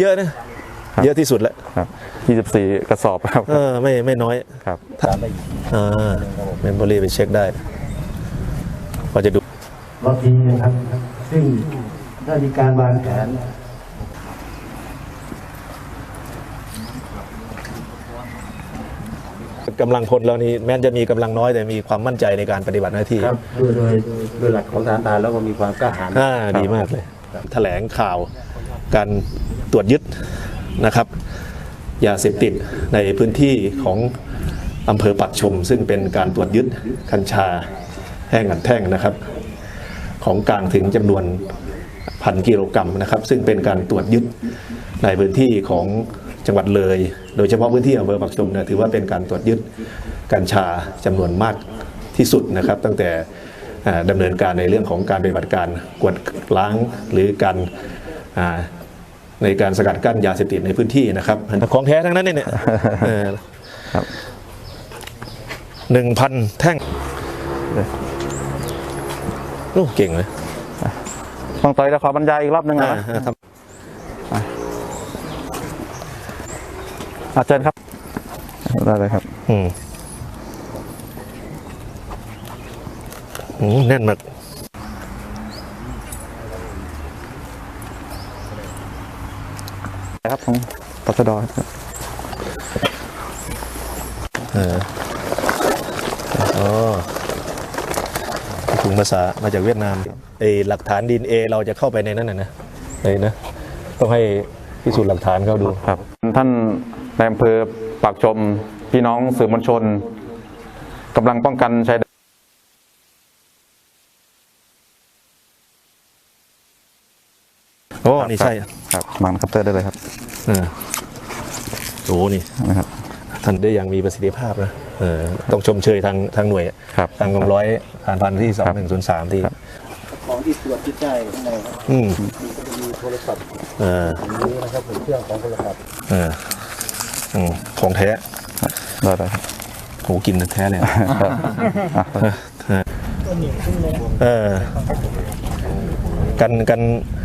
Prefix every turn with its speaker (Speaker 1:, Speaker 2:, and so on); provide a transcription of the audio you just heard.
Speaker 1: เยอะนะเยอะที่สุดแล้ว
Speaker 2: ครับ24 กระสอบครับ
Speaker 1: ไม่น้อย
Speaker 2: ครับ
Speaker 1: เมมโมรี่ไปเช็คได้พอจะดู
Speaker 3: รอบนี้นะครับซึ่งได้มีการวางแผน
Speaker 1: กำลังพลเรานี่แม้จะมีกำลังน้อยแต่มีความมั่นใจในการปฏิบัติหน้าที่
Speaker 3: ครับโดยหลักของทหารแล้วก็มีความกล้าหาญ
Speaker 1: ดีมากเลยแถลงข่าวการตรวจยึดนะครับยาเสพติดในพื้นที่ของอำเภอปักชมซึ่งเป็นการตรวจยึดกัญชาแห้งอัดแท่งนะครับของกลางถึงจำนวน1,000 กิโลกรัมนะครับซึ่งเป็นการตรวจยึดในพื้นที่ของจังหวัดเลยโดยเฉพาะพื้นที่อำเภอปักชมถือว่าเป็นการตรวจยึดกัญชาจำนวนมากที่สุดนะครับตั้งแต่ดำเนินการในเรื่องของการปฏิบัติการกวดล้างหรือการในการสกัดกั้นยาเสพติดในพื้นที่นะครับของแท้ทั้งนั้นเนี่ย1,000 แท่งโอ้เก่งเลย
Speaker 2: ต้องต่อยจะขอบรรยายอีกรอบนึงนะเชิญครับได้เลยครับ
Speaker 1: แน่นมาก
Speaker 2: ครับของตชดครับ
Speaker 1: ถุงภาษามาจากเวียดนามหลักฐานDNAเราจะเข้าไปในนั้นนะต้องให้พิสูจน์หลักฐานเขาดู
Speaker 2: ครับท่านนายอำเภอปากชมพี่น้องสื่อมวลชนกำลังป้องกันชายแดน
Speaker 1: นี่ใช่
Speaker 2: ครับมังคัตเตอร์ได้เลยครับ
Speaker 1: นี่นะครับท่านได้อย่างมีประสิทธิภาพนะต้องชมเชยทางหน่วยทางกองร้อยผ่านพันที่2103ที่
Speaker 3: ของที่ตรวจที่ได้ข้างในครับมีโทรศัพท์นี้นะครับเครื่องของโทรศัพท์
Speaker 1: ของแท้
Speaker 2: ได้ครับ
Speaker 1: โหกินแท้เลยกัน